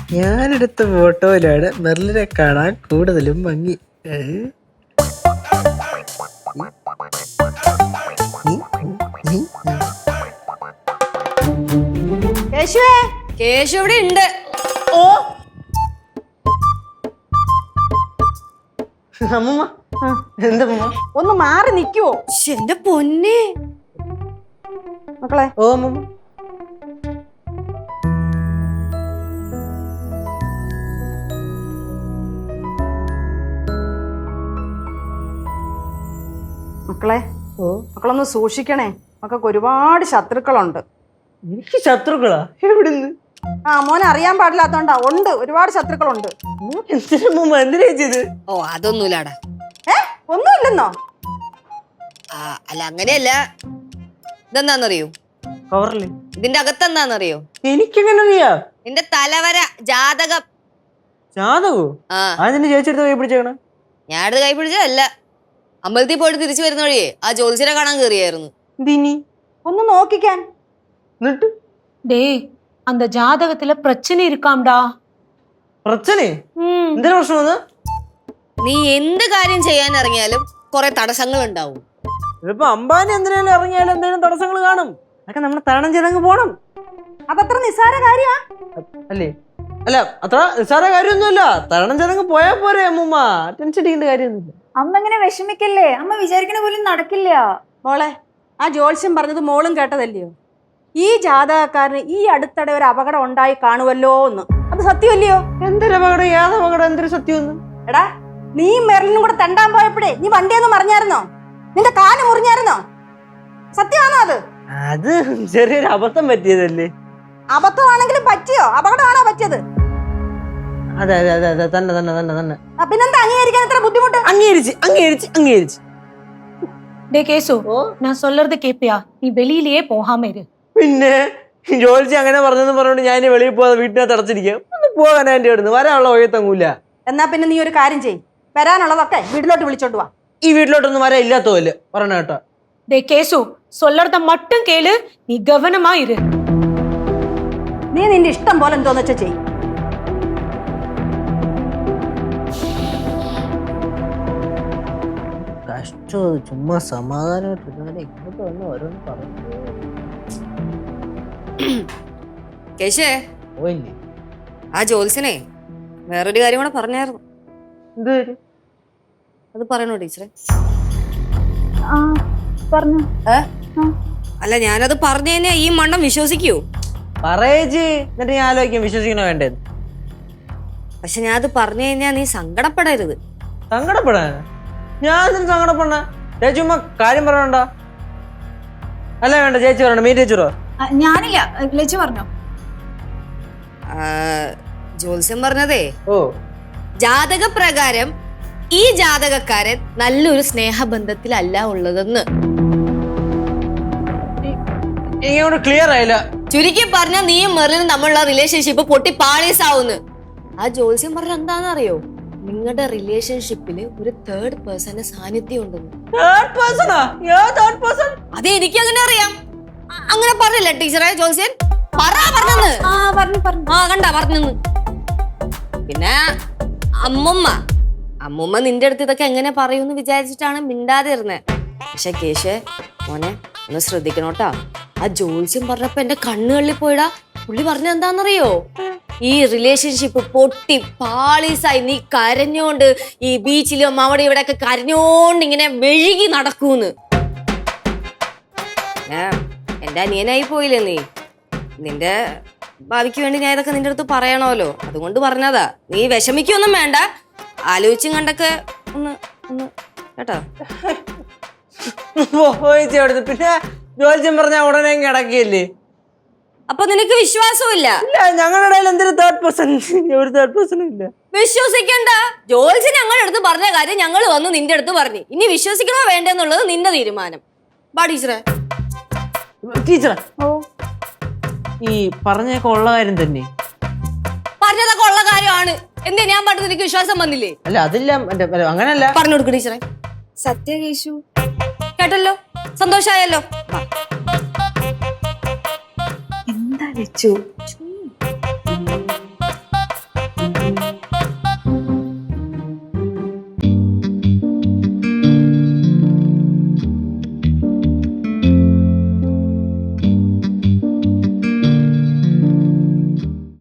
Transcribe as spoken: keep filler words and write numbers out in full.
ഞാനെടുത്ത ഫോട്ടോയിലാണ് മെർലിനെ കാണാൻ കൂടുതലും ഭംഗി. കേശുവേ, കേശു ഇവിടെ ഉണ്ട്. ഓ അമ്മൂമ്മ, എന്താ ഒന്ന് മാറി നിക്കുവോ? എന്റെ പൊന്നെ മക്കളെ. ഓ അമ്മൂമ്മ. മക്കളെ, ഓ മക്കളൊന്ന് സൂക്ഷിക്കണേ. മക്കൾക്ക് ഒരുപാട് ശത്രുക്കളുണ്ട്. എനിക്ക് ശത്രുക്കളാ? എവിടുന്ന്? ആ മോനെ അറിയാൻ പാടില്ലാത്തോണ്ടാ. ഉണ്ട്, ഒരുപാട് ശത്രുക്കളുണ്ട്. എന്തിനാ എന്തിനാ ചെയ്ത്? ഓ അതൊന്നുമില്ലാടാ. ഏ ഒന്നുമില്ലെന്നോ? ആ അല്ല അങ്ങനെയല്ല. ഇതെന്താന്നറിയോ? കവറില് ഇതിന്റെ അകത്തെന്താന്നറിയോ? എനിക്കെങ്ങനെ അറിയാ? നിന്റെ തലവര ജാതകം. ജാതകോ? ആ അതിന്റെ ചേച്ചിയെടുത്ത് കൈ പിടിച്ചേക്കണ? ഞാൻ എടുത്ത് കൈ പിടിച്ചതല്ല. അമ്പലത്തിൽ പോയിട്ട് തിരിച്ചു വരുന്ന വഴിയേ ആ ജ്യോത്സ്യനെ കാണാൻ കയറിയായിരുന്നു. ഒന്ന് നോക്കിക്കാൻ. டேய் அந்த ஜாதகத்துல பிரச்சனை இருக்காம்டா. പ്രശ്നേ? എന്തിനാ പ്രശ്നം? നീ എന്ത് കാര്യം ചെയ്യാൻ ഇറങ്ങിയാലും കുറെ തടസ്സങ്ങൾ ഉണ്ടാവും. ഇതിപ്പോ അംബാനി എന്തിനാലും ഇറങ്ങിയാലും എന്തെങ്കിലും തടസ്സങ്ങൾ കാണും. അതൊക്കെ നമ്മൾ തരണം ചെയ്തങ്ങ് പോണം. അതത്ര നിസ്സാര കാര്യമാ അല്ലേ? അല്ല, അത്ര നിസ്സാര കാര്യമൊന്നുമില്ല. തരണം ചെയ്തങ്ങ് പോയാ പോരെ അമ്മൂമ്മ. ടെൻഷൻ അടിക്കേണ്ട കാര്യമൊന്നുമില്ല. അമ്മ ഇങ്ങനെ വിഷമിക്കല്ലേ. അമ്മ വിചാരിക്കണ പോലും നടക്കില്ല. മോളെ, ആ ജ്യോത്സ്യം പറഞ്ഞത് മോളും കേട്ടതല്ലയോ? ഈ ജാതകക്കാരന് ഈ അടുത്തിടെ ഒരു അപകടം ഉണ്ടായി കാണുമല്ലോ എന്ന്. അത് സത്യമല്ലയോ? എന്തൊരു അപകടം? ഏത് അപകടം? എന്തൊരു സത്യം? എടാ, നീ മെർലിനും കൂടെ തെണ്ടാൻ പോയപ്പോഴേ നീ വണ്ടിയൊന്നും മറിഞ്ഞായിരുന്നോ? നിന്റെ കാല് മുറിഞ്ഞായിരുന്നോ? സത്യമാണോ അത്? അത് ചെറിയൊരു അബദ്ധം പറ്റിയതല്ലേ. അബദ്ധമാണെങ്കിലും പറ്റിയോ? അപകടമാണോ പറ്റിയത്? അതെ അതെ അതെ അതെ തന്നെ തന്നെ തന്നെ തന്നെ. പിന്നെന്താ അംഗീകരിക്കാൻ ഇത്ര ബുദ്ധിമുട്ട്? അംഗീകരിച്ച് അംഗീകരിച്ച് അംഗീകരിച്ച് டே கேசு, நான் சொல்றது கேப்பியா? நீ வெளியிலேயே போகாம இரு. പിന്നെ ജോലിച്ച് അങ്ങനെ പറഞ്ഞെന്ന് പറഞ്ഞോണ്ട് ഞാൻ ഇനി വെളിയിൽ പോകാതെ വീട്ടിനകത്ത് അടച്ചിരിക്കാം. ഒന്ന് പോകാൻ എന്റെ അടുത്ത് വരാനുള്ള ഒഴുത്തങ്ങൂല. എന്നാ പിന്നെ നീ ഒരു കാര്യം ചെയ്യ്. വരാനുള്ളതൊക്കെ വീട്ടിലോട്ട് വിളിച്ചോണ്ട് വാ. ഈ വീട്ടിലോട്ടൊന്നും വരാൻ ഇല്ലാത്തതല്ലേ പറഞ്ഞ കേട്ടോ. டே கேசு, சொல்றத மட்டும் கேளு. நீ கவனமா இரு. നീ നിന്റെ ഇഷ്ടം പോലെ എന്തോന്ന് വെച്ചാ ചെയ്യ്. കഷ്ടോ, ചുമ്മാ സമാധാനമായിട്ട് ഇങ്ങോട്ട് വന്ന് ഓരോന്ന് പറഞ്ഞു കേശേ, പോയില്ലേ? ആ ജ്യോത്സ്യനെ വേറൊരു കാര്യം കൂടെ പറഞ്ഞായിരുന്നു. എന്ത്? അത് പറയണോ ടീച്ചറെ? ആ പറഞ്ഞു. ഏ അല്ല, ഞാനത് പറഞ്ഞു കഴിഞ്ഞാ ഈ മണ്ണം വിശ്വസിക്കൂ? പറയേച്ചി, എന്നിട്ട് ഞാൻ ആലോചിക്കാം വിശ്വസിക്കണോ വേണ്ടത്. പക്ഷെ ഞാൻ അത് പറഞ്ഞു കഴിഞ്ഞാ നീ സങ്കടപ്പെടരുത്. സങ്കടപ്പെടാൻ ഞാൻ എന്തിനു സങ്കടപ്പെടണ? ചേച്ചി ഉമ്മ കാര്യം പറയണ്ട. അല്ല വേണ്ട, ചേച്ചി പറയണ്ട. മീ ടീച്ചറോ? ഞാനില്ല, ലച്ചു പറഞ്ഞോ. ജ്യോത്സ്യം പറഞ്ഞതേ, ഓ ജാതകപ്രകാരം ഈ ജാതകക്കാരൻ നല്ലൊരു സ്നേഹബന്ധത്തിലല്ല ഉള്ളതെന്ന്. ഇങ്ങോട്ട് ക്ലിയർ ആയില്ല. ചുരുക്കി പറഞ്ഞ നീയും മെർലിനും തമ്മിലുള്ള റിലേഷൻഷിപ്പ് പൊട്ടി പാളീസാവുന്നു. ആ ജ്യോത്സ്യം പറഞ്ഞ എന്താണെന്നറിയോ? നിങ്ങളുടെ റിലേഷൻഷിപ്പില് ഒരു തേർഡ് പേഴ്സന്റെ സാന്നിധ്യം ഉണ്ടെന്ന്. അത് എനിക്ക് അങ്ങനെ അറിയാം. അങ്ങനെ പറഞ്ഞില്ല ടീച്ചറെ ജ്യോത്സ്യൻ? പറഞ്ഞെന്ന്. ആ കണ്ട പറഞ്ഞെന്ന്. പിന്നെ അമ്മുമ്മ അമ്മുമ്മ നിന്റെ അടുത്ത് ഇതൊക്കെ എങ്ങനെ പറയൂന്ന് വിചാരിച്ചിട്ടാണ് മിണ്ടാതെ ഇരുന്നേ. പക്ഷെ കേശേ മോനെ ഒന്ന് ശ്രദ്ധിക്കണോട്ടാ. ആ ജ്യോത്സ്യം പറഞ്ഞപ്പോ എന്റെ കണ്ണുകളിൽ പോയിടാ. പുള്ളി പറഞ്ഞ എന്താന്നറിയോ? ഈ റിലേഷൻഷിപ്പ് പൊട്ടി പാളീസായി നീ കരഞ്ഞോണ്ട് ഈ ബീച്ചിലും അവിടെ ഇവിടെ ഒക്കെ കരഞ്ഞോണ്ട് ഇങ്ങനെ മെഴുകി നടക്കൂന്ന്. എന്റെ അനിയനായി പോയില്ലേ നീ? നിന്റെ ഭാവിക്ക് വേണ്ടി ഞാൻ ഇതൊക്കെ നിന്റെ അടുത്ത് പറയണമല്ലോ, അതുകൊണ്ട് പറഞ്ഞതാ. നീ വിഷമിക്കൊന്നും വേണ്ട. ആലോചിച്ചും കണ്ടൊക്കെ ഒന്ന് ഒന്ന് കേട്ടോ. പിന്നെ ജോലിച്ചും പറഞ്ഞ ഉടനെ കിടക്കില്ലേ? അപ്പൊ നിനക്ക് വിശ്വാസമില്ല? ഞങ്ങളുടെ ഇടയിൽ എന്തൊരു തേർഡ് പേഴ്സൺ? ഒരു തേർഡ് പേഴ്സണും ഇല്ല. വിശ്വസിക്കണ്ട. ജോലിച്ച് ഞങ്ങളുടെ അടുത്ത് പറഞ്ഞ കാര്യം ഞങ്ങൾ വന്ന് നിന്റെ അടുത്ത് പറഞ്ഞു. ഇനി വിശ്വസിക്കണോ വേണ്ടെന്നുള്ളത് നിന്റെ തീരുമാനം. ബാ ടീച്ചറെ. ടീച്ചറെ, ഈ പറഞ്ഞൊക്കെ ഉള്ള കാര്യം തന്നെ? പറഞ്ഞതൊക്കെ ഉള്ള കാര്യമാണ്. എന്താ ഞാൻ പറഞ്ഞത് എനിക്ക് വിശ്വാസം വന്നില്ലേ? അല്ല അതില്ല, അങ്ങനല്ല. പറഞ്ഞു കൊടുക്കും ടീച്ചറെ. സത്യ കേശു കേട്ടല്ലോ, സന്തോഷായല്ലോ. എന്താ ലച്ചു